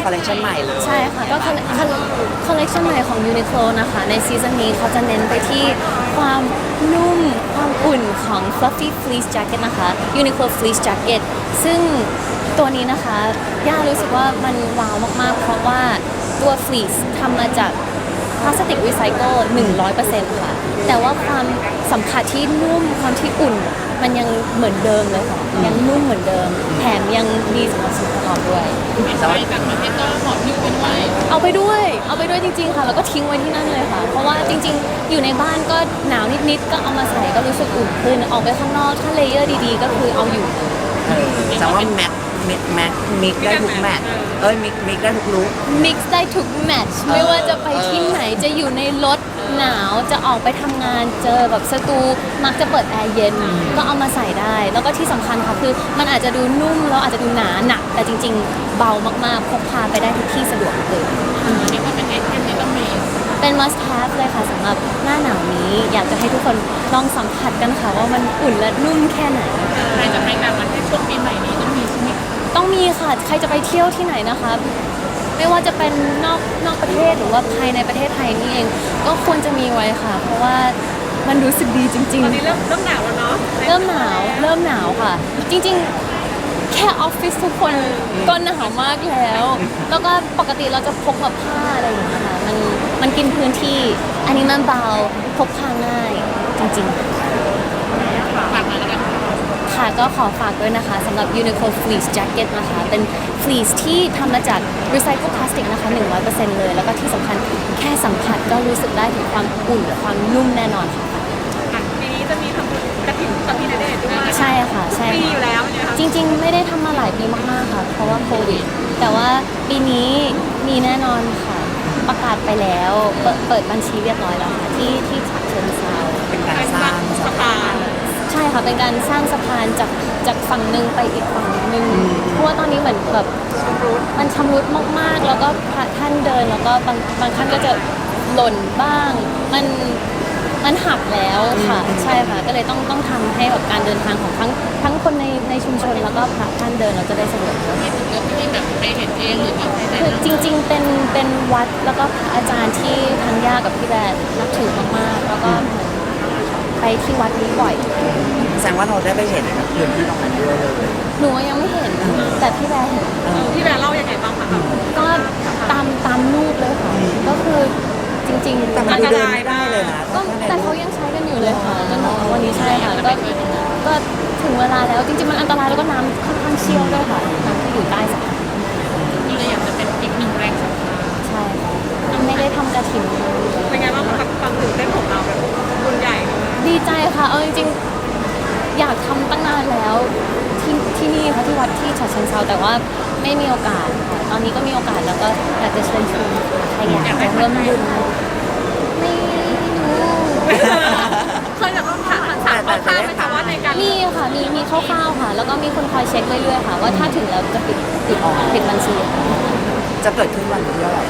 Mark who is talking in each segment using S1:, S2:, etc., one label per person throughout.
S1: คอลเลคชันใหม่เลย
S2: ใช่ค่ะก็คอลเลคชันใหม่ของ Uniqlo นะคะในซีซั่นนี้เขาจะเน้นไปที่ความนุ่มความอุ่นของ Fluffy Fleece Jacket นะคะ Uniqlo Fleece Jacket ซึ่งตัวนี้นะคะย่ารู้สึกว่ามันว้าวมากๆเพราะว่าตัว Fleece ทำมาจากพลาสติกรีไซเคิล 100% ค่ะแต่ว่าความสัมผัสที่นุ่มความที่อุ่นมันยังเหมือนเดิมเลยค่ะยังนุ่มเหมือนเดิมแถมยังดีสำหรับสุขภาพด้วย
S1: แต่ว่าต่างประเทศก็ขอพิ้วเป็นไว้
S2: เอาไปด้วยจริงๆค่ะแล้วก็ทิ้งไว้ที่นั่นเลยค่ะเพราะว่าจริงๆอยู่ในบ้านก็หนาวนิดๆก็เอามาใส่ก็รู้สึกอุ่นขึ้นออกไปข้างนอกถ้าเลเยอร์ดีๆก็คือเอาอยู่
S1: แต่ว่ามิกได้ทุกแมทมิกได้ทุกลุค
S2: มิกซ์ได้ทุกแมทช์ไม่ว่าจะไปที่ไหนจะอยู่ในรถหนาวจะออกไปทำงานเจอแบบสตูมักจะเปิดแอร์เย็นก็เอามาใส่ได้ แล้วก็ที่สำคัญค่ะคือมันอาจจะดูนุ่มแล้วอาจจะดูหนาหนักแต่จริงๆเบามากๆพกพาไปได้ทุกที่สะดวกเลย
S3: นี่ก็เป็นไอเทมที่ต้องมี
S2: เป็น must have เลยค่ะสำหรับหน้าหนาวนี้อยากจะให้ทุกคนลองสัมผัสกันค่ะว่ามันอุ่นและนุ่มแค่ไหน
S3: ใครจะไปต่างประเทศช่วงปีใหม่นี้ต้องมีใช่ไหม
S2: ต้องมีค่ะใครจะไปเที่ยวที่ไหนนะคะไม่ว่าจะเป็นนอกประเทศหรือว่าภายในประเทศไทยนี่เองก็ควรจะมีไว้ค่ะ เพราะว่ามันรู้สึกดีจริง
S3: ตอนนี้เริ่มหนาวแล้วเนาะ
S2: ๆเริ่มหนาวค่ะ จริงๆแค่ออฟฟิศทุกคนก็หนาวมากแล้วก็ปกติเราจะพกแบบผ้าอะไรอย่างเงี้ยค่ะมันกินพื้นที่อันนี้มันเบาพกพาง่ายจริงๆ
S3: ฝากมาแล้วกัน
S2: ค่ะก็ขอฝากด้วยนะคะสำหรับ Uniqlo Fleece Jacket นะคะเป็น fleece ที่ทำมาจาก recycled plastic นะคะ 100% เลยแล้วก็ที่สำคัญแค่สัมผัสก็รู้สึกได้ถึงความอุ่นและความนุ่มแน่นอนค่ะ
S3: ปีนี้จะมีทำบุญกระถิ่นกับพี่ณเดชน์ด้วย
S2: ใช่ค่ะใช่
S3: ปีอยู่แล้วเนี่ยค่ะ
S2: จริงๆ ไม่ได้ทำมาหลายปีมากๆค่ะ เพราะว่าโควิดแต่ว่าปีนี้มีแน่นอนค่ะ ประกาศไปแล้วเปิดบัญชีเรียบร้อยแล้วค่ะที่ฉะเชิงเทรา
S1: เป็นการสร้างสะพาน
S2: ใช่ค่ะเป็นการสร้างสะพานจากฝั่งหนึ่งไปอีกฝั่งหนึ่งเพราะว่าตอนนี้เหมือนแบบมันชำรุดมากๆ แล้วก็พระท่านเดินแล้วก็บางท่านก็จะหล่นบ้างมันหักแล้วค่ะใช่ค่ะก็เลยต้องทำให้แบบการเดินทางของทั้งคนในชุมชนแล้วก็พระท่านเดินเราจะได้สะดวก
S3: ที่ถึงก็ที่แบบไปเห็นเองหรือว่าใครได้
S2: คือจริงๆเป็นวัดแล้วก็พระอาจารย์ที่ทั้งย่ากับพี่แบนนับถือมากๆแล้วก็เหมือนไปที่วัดนี้บ่อย
S1: แสดงว่าเราได้ไปเห็นพื้นที่ตรงนั้นด้วยเลย
S2: หนูยังไม่เห็นแต่พี่แบร์เห็น
S3: พี่แบร์เล่ายังไงบ้างคะ
S2: ก็ตามรูปเลยค่ะก็คือจริงๆ
S1: แต่มันดูเดินไม่ได้เลยนะ
S2: ก็แต่เขายังใช้กันอยู่เลยค่ะจนถึงวันนี้ใช่ค่ะก็ถึงเวลาแล้วจริงๆมันอันตรายแล้วก็น้ำค่อนข้างเชี่ยวด้วยค่ะน้ำที่อยู่ใต้สะพาน
S3: ก็เลยอยากจะเป็นอีกหนึ่งแรงศรัทธา
S2: ใช่ค่ะไม่ได้ทำกระถิ่น
S3: เป็นไงบ้างกับความตื่นเต้นของเราแบบบุญใหญ่
S2: ดีใจค่ะเอาจริงๆอยากทำตั้งนานแล้วที่นี่ค่ะที่วัดที่ฉะเชิงเทราแต่ว่าไม่มีโอกาสค่ะตอนนี้ก็มีโอกาสแล้วก็อยากจะเชิญชวนใครอยากจะร่วมบุญไม่รู้
S3: เคยแบบต้องถามคร่าวๆไหมคะว่าในการ
S2: มีค่ะมีคร่าวๆค่ะ แล้วก็มีคนคอยเช็คเรื่อยๆค่ะ ว่าถ้าถึงแล้วจะปิดบัญชีค่ะ
S1: จะเกิดขึ้นวันที่เท่าไหร่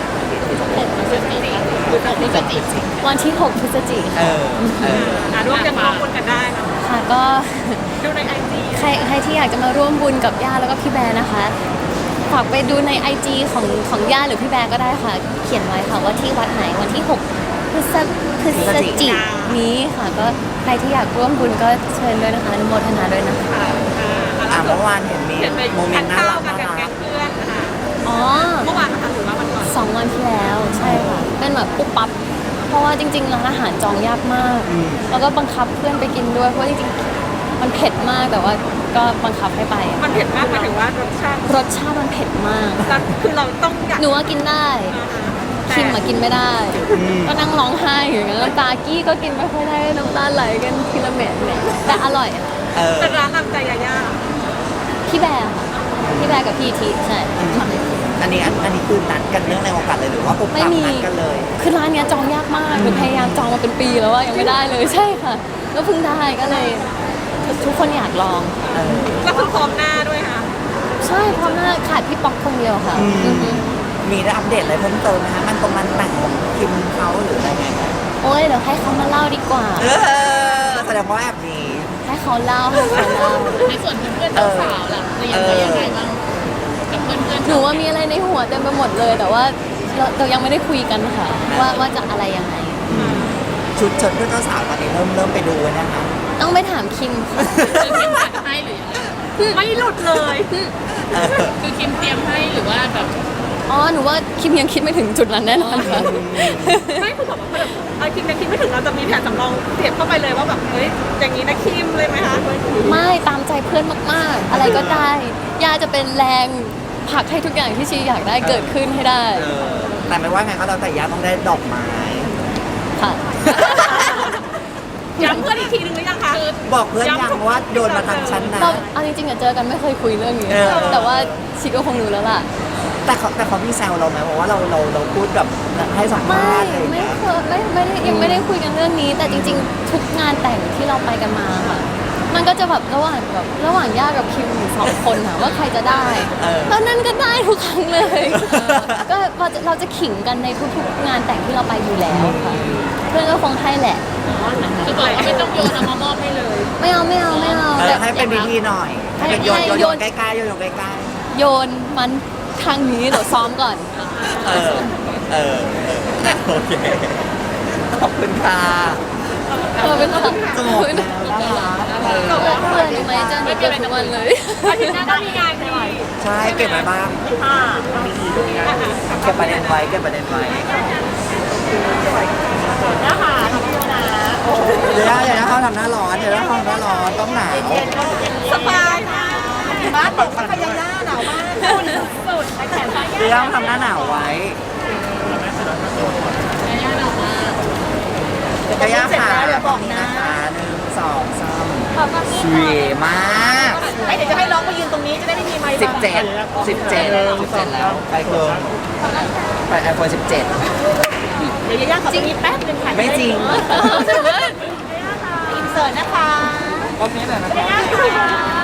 S2: วันที่ 6 พฤศจิกายน
S3: ร่วมกันร่วมบุญกันได้นะ
S2: ค่ะก็
S3: ดูในไอจี
S2: ใครที่อยากจะมาร่วมบุญกับย่าแล้วก็พี่แบร์นะคะฝากไปดูใน IG ของย่าหรือพี่แบร์ก็ได้ค่ะ เขียนไว้ค่ะว่าที่วัดไหนวันที่ 6 พฤศจิกายนนี้ค่ะก็ใครที่อยากร่วมบุญก็เชิญด้วยนะคะอนุโมทนาด้วยนะคะ
S1: เมื่อวานเห็นมีโมเมนต์น่ารัก
S3: กันกับแก๊งเพื่อนนะคะ
S2: อ๋อ
S3: เมื่อวานนะคะหรือว่าวันก่อน
S2: 2 วันที่แล้วใช่ค่ะเป็นแบบปุ๊บปั๊บเพราะว่าจริงๆร้านอาหารจองยากมาก แล้วก็บังคับเพื่อนไปกินด้วยเพราะว่าจริงๆมันเผ็ดมากแต่ว่าก็บังคับให้ไปอะ
S3: มันเผ็ดมากหมายถึงว่ารสชาติ
S2: รสชาติมันเผ็ดมาก
S3: คือเราต้องอยาก
S2: หนูว่ากินได้คิมมากินไม่ได้ ก็นั่งร้องไห้อยู่อย่างนั้นน้ำตากี้ก็กินไม่ค่อยได้น้ำตาไหลกันทีละเม็ดเนี่ยแต่อร่อยค่ะ
S3: เป็นร้านนำใจยาย่า
S2: พี่แบร์ค่ะพี่แบร์กับพี่ทีใช่
S1: อันนี้คือนัดกันเนื่องในโอกาสเลยหรือว่าปุ๊บ
S2: ไม่
S1: ปั๊บ
S2: มี
S1: นัดกันเลย
S2: คือร้านเนี้ยจองยากมากหนูพยายามจองมาเป็นปีแล้วว่ายังไม่ได้เลยใช่ค่ะแล้วเพิ่งได้ก็เลยทุกคนอยากลอง
S3: ก็คือพร้อมหน้าด้วยค่ะ
S2: ใช่เพราะน่าขาดพี่ป๊อกคนเดียวค่ะอือฮึ
S1: มีได้อัปเดตอะไรเพิ่มเติมไหมคะมันตรงมันแต่งของคิมเขาหรืออะไรไง
S2: โอ้ยเดี๋ยวให้เขามาเล่าดีกว่า
S1: แสดงว่าแอบมี
S2: ให้เขาเล่า
S3: ในส่วนเพื่อนๆสาวๆล่ะเตรียมไว้ยังไงบ้างกับเพื่อนๆ
S2: หนูว่ามีอะไรในหัวเต็มไปหมดเลย แต่ว่าเรายังไม่ได้คุยกันค่ะ ว่าจะอะไรยังไง
S1: ชุดเพื่อนเจ้าสาวตอนนี้เริ่มไปดูนะคะ
S2: ต้องไปถามคิมค่ะ
S3: คือคิมจัดให้หรือยังไงไม่หลุดเลย คือคิมเตรียมให้หรือว่าแบบ
S2: อ๋อหนูว่าคิมยังคิดไม่ถึงจุดนั้นแน่นอนค่ะ
S3: ไม่คือแบบว่าแบบคิมยังคิดไม่ถึงเราจะมีแผนสำรองเสียบเข้าไปเลยว่าแบบเฮ้ยอย่างนี้นะคิมเลยไหมคะ
S2: ไม่ตามใจเพื่อนมากๆ อะไรก็ได้ย่าจะเป็นแรงผลักให้ทุกอย่างที่ชีอยากได้เกิดขึ้นให้ได้
S1: แต่ไม่ว่าไงก็แล้วแต่ย่าต้องได้ดอกไม้
S2: ค่ะ
S3: ย้ำเพื่อนอีกทีนึงหรือยังคะ
S1: บอกเพื่อนยังว่าโยนมาทางฉันนะ
S2: เราเอาจริงๆอะเจอกันไม่เคยคุยเรื่องนี้ แต่ว่าชีก็คงรู้แล้วล่ะ
S1: แต่เขามีแซวเราไหมเพราะว่าเราพูดแบบให้สัมภาษณ์อะไรอย่าง
S2: ไม่
S1: เงี้ย
S2: เคยไม่ได้ยังไม่ได้คุยกันเรื่องนี้ แต่จริงๆ ทุกงานแต่งที่เราไปกันมาค่ะ มันก็จะแบบระหว่างย่ากับคิมอยู่สองคนค่ะว่าใครจะได้แล้วนั่นก็ได้ทุกครั้งเลย ก็เราจะขิงกันในทุกๆงานแต่งที่เราไปอยู่แล้วค่ะ เพื่อนก็คงให้แหละ
S3: คือบอกว่าไม่ต้องโยนเอามามอบให้เลย
S2: ไม่เอา
S1: ให้เป็นพิธีหน่อยให้เป็นโยนใกล้ๆโยนใกล้
S2: โยนมันทางนี้เดี๋ยวซ้อมก่อน
S1: ๆโอเคขอบคุณค่ะ
S2: เป็นคน
S1: จบแล้วน่ารัก
S2: เพื่อนรู้ไหมเจอหนูเกือบทุกวันเลย
S3: อาทิตย์หน้าก็มีงานด้วย
S1: ใช่เก็บไว้บ้างเก็บประเด็นไว้
S3: นะคะขอบคุณนะ
S1: เดี๋ยวเขาทำหน้าร้อนต้องหนาว
S3: สบายมากบ้านตกพยายาหนาวมากสุดแขนซ้าย
S1: เดี๋ยวทำหน้าหนาวไว้จะย่าขาเดี๋ยวบอกนะคะ1 2 3สวยมาก
S3: เดี๋ยวจะให้น้องไปยืนตรงนี้จะได้ไม่มีไม้
S1: 17แล้วไปเกินไป iPhone 17
S3: เดี๋ยวยาขอตรงนี้แป๊บนึงค่ะ
S1: ไม่จริง
S3: อินเสิร์ตนะคะ
S1: ก็นี้แหละนะครับ